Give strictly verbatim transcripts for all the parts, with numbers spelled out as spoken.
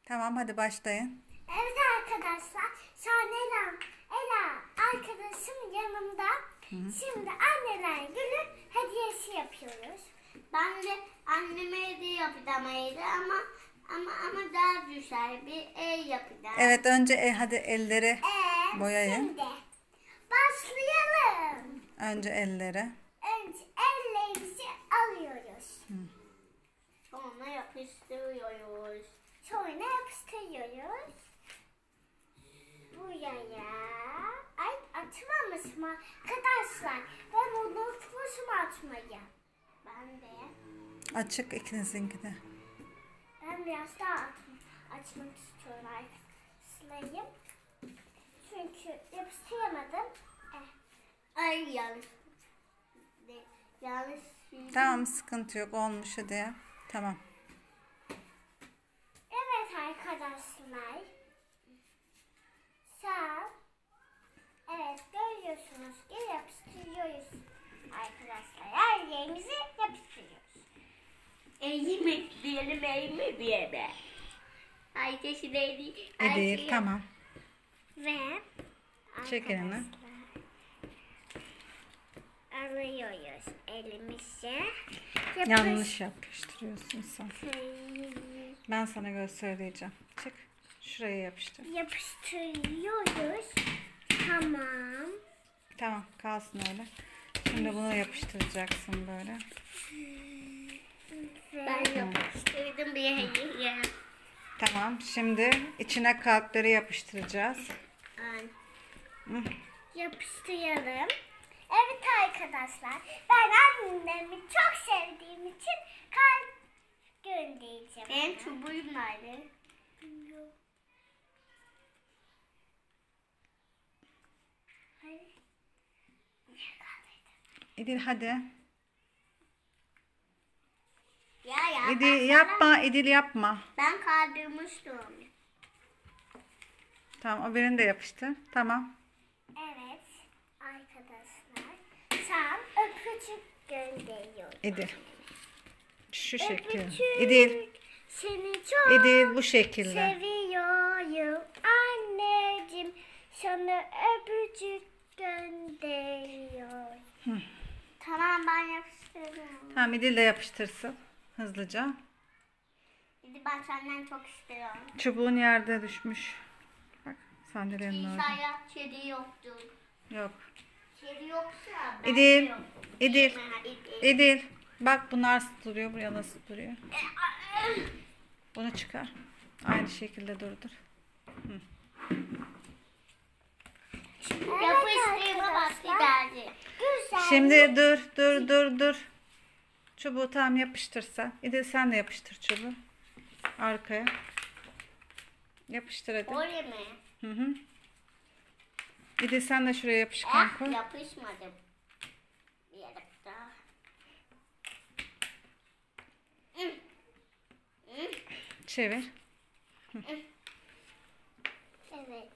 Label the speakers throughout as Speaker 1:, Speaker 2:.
Speaker 1: Tamam, hadi başlayın.
Speaker 2: Evet arkadaşlar, şu an Ela, Ela arkadaşım yanımda. Hı hı. Şimdi anneler günü hediyesi yapıyoruz.
Speaker 3: Ben de anneme hediye yapamaydı ama ama ama daha güzel bir el yapacağım.
Speaker 1: Evet, önce e, hadi elleri
Speaker 2: Ee,
Speaker 1: boyayın.
Speaker 2: Şimdi başlayalım.
Speaker 1: Önce elleri.
Speaker 2: Önce ellerimizi alıyoruz. Hı.
Speaker 3: Sonra yapıştırıyoruz.
Speaker 2: Sonra yapıştırıyoruz. Buraya. Ay, açmamışım arkadaşlar. Ben unutmuşum açmayı.
Speaker 3: Ben de.
Speaker 1: Açık ikinizinki de.
Speaker 2: Ben biraz daha açmak istiyorum arkadaşlarım. Çünkü yapıştıramadım. Eh.
Speaker 3: Ay yanlış. Yanlış.
Speaker 1: Tamam, sıkıntı yok, olmuş hadi. Tamam.
Speaker 2: Evet arkadaşlar. Sağ. Evet, görüyorsunuz ki yapıştırıyoruz arkadaşlar. Her yerimizi yapıştırıyoruz.
Speaker 3: Eğim ekleyelim, eğim ekleyelim. Ayşe'si neydi?
Speaker 1: E değil, tamam.
Speaker 2: Ve
Speaker 1: Çek elini.
Speaker 2: alıyoruz elimize.
Speaker 1: Yanlış yapıştırıyorsun sen. Ben sana göstereceğim. Çık. Şuraya yapıştır.
Speaker 2: Yapıştırıyoruz. Tamam.
Speaker 1: Tamam, kalsın öyle. Şimdi bunu yapıştıracaksın böyle.
Speaker 3: Ben yapıştırdım bir hediye.
Speaker 1: Tamam, şimdi içine kalpleri yapıştıracağız.
Speaker 3: Ay.
Speaker 2: Yapıştıralım. Evet arkadaşlar, ben annemi çok sevdiğim için kalp göndereceğim.
Speaker 3: Benim çubuğum nerede?
Speaker 1: İdil hadi.
Speaker 3: Ya ya.
Speaker 1: İdil yapma, İdil yapma.
Speaker 3: Ben kaldırmıştım.
Speaker 1: Tamam, o birini de yapıştır. Tamam.
Speaker 2: Evet arkadaşlar, sen öpücük gönderiyorum.
Speaker 1: İdil. Şu şekilde.
Speaker 2: Öpücük.
Speaker 1: İdil.
Speaker 2: Seni çok
Speaker 1: İdil bu şekilde.
Speaker 2: seviyorum anneciğim. Sana öpücük gönderiyorum.
Speaker 1: Hı.
Speaker 3: Tamam ben yapıştırdım.
Speaker 1: Tamam, İdil de yapıştırsın. Hızlıca.
Speaker 3: Şimdi ben senden çok istiyorum.
Speaker 1: Çubuğun yerde düşmüş. Bak, sandalyenin orada.
Speaker 3: İsa'ya kedi yoktu.
Speaker 1: Yok.
Speaker 3: Kedi yoksa ben
Speaker 1: İdil.
Speaker 3: de yoktum.
Speaker 1: İdil.
Speaker 3: Değil mi? İdil.
Speaker 1: İdil. Bak, bunlar nasıl duruyor. Buraya nasıl duruyor. Bunu çıkar. Aynı şekilde durdur. Hı.
Speaker 3: Yapıştırma vakti geldi.
Speaker 2: Güzel.
Speaker 1: Şimdi dur dur dur dur. Çubuğu tam yapıştırsan. İdil sen de yapıştır çubuğu. Arkaya. Yapıştır hadi.
Speaker 3: Öyle mi?
Speaker 1: Hı hı. İdil sen de şuraya yapışkan
Speaker 3: Ah,
Speaker 1: koy.
Speaker 3: yapışmadı. Bir yere daha. Hı. Hı.
Speaker 1: Çevir.
Speaker 2: Evet.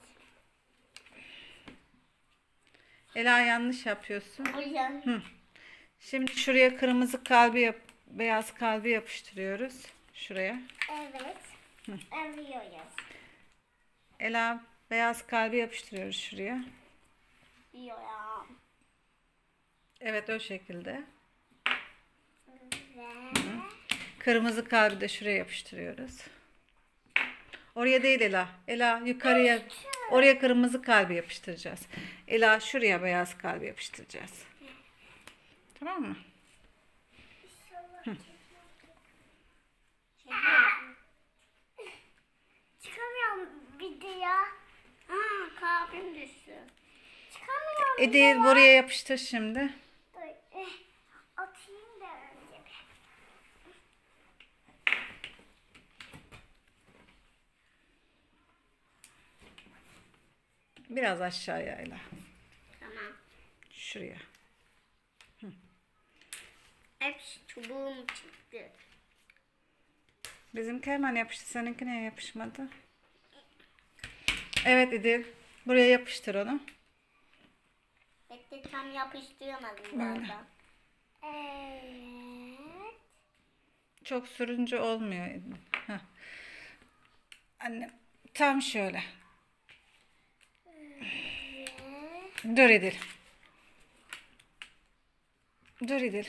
Speaker 1: Ela, yanlış yapıyorsun.
Speaker 3: O yan.
Speaker 1: Hı. Şimdi şuraya kırmızı kalbi yap, beyaz kalbi yapıştırıyoruz. Şuraya.
Speaker 2: Evet. Alıyoruz.
Speaker 1: Ela, beyaz kalbi yapıştırıyoruz şuraya.
Speaker 3: Diyor ya.
Speaker 1: Evet, o şekilde.
Speaker 2: Ve
Speaker 1: Kırmızı kalbi de şuraya yapıştırıyoruz. Oraya değil Ela. Ela yukarıya. Oraya kırmızı kalbi yapıştıracağız. Ela şuraya beyaz kalbi yapıştıracağız. Tamam mı?
Speaker 2: inşallah çıkamıyorum videoya.
Speaker 3: Aa, kalbim düştü.
Speaker 2: Çıkamıyorum.
Speaker 1: Edil,
Speaker 2: videoya.
Speaker 1: buraya yapıştır şimdi.
Speaker 2: Dur, eh, atayım da önce.
Speaker 1: Biraz aşağıya Ela.
Speaker 3: Tamam.
Speaker 1: Şuraya.
Speaker 3: Hepsi çubuğum çıktı.
Speaker 1: Bizimki hemen yapıştı. Seninki niye yapışmadı? Evet İdil. Buraya yapıştır onu.
Speaker 3: Bekle, tam yapıştıramadım
Speaker 1: Böyle.
Speaker 3: daha.
Speaker 2: Evet.
Speaker 1: Çok sürünce olmuyor İdil. Heh. Annem tam şöyle. Dur İdil. Dur İdil.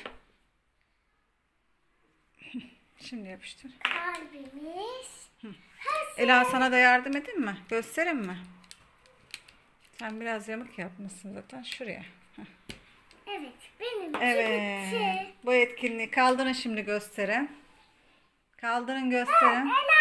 Speaker 1: Şimdi yapıştır.
Speaker 2: Kalbimiz.
Speaker 1: Ela sana da yardım edeyim mi? Göstereyim mi? Sen biraz yamuk yapmışsın zaten. Şuraya. Heh.
Speaker 2: Evet, benim
Speaker 1: Evet.
Speaker 2: bitti.
Speaker 1: Bu etkinliği kaldırın şimdi gösterin. Kaldırın gösterin.
Speaker 2: Ela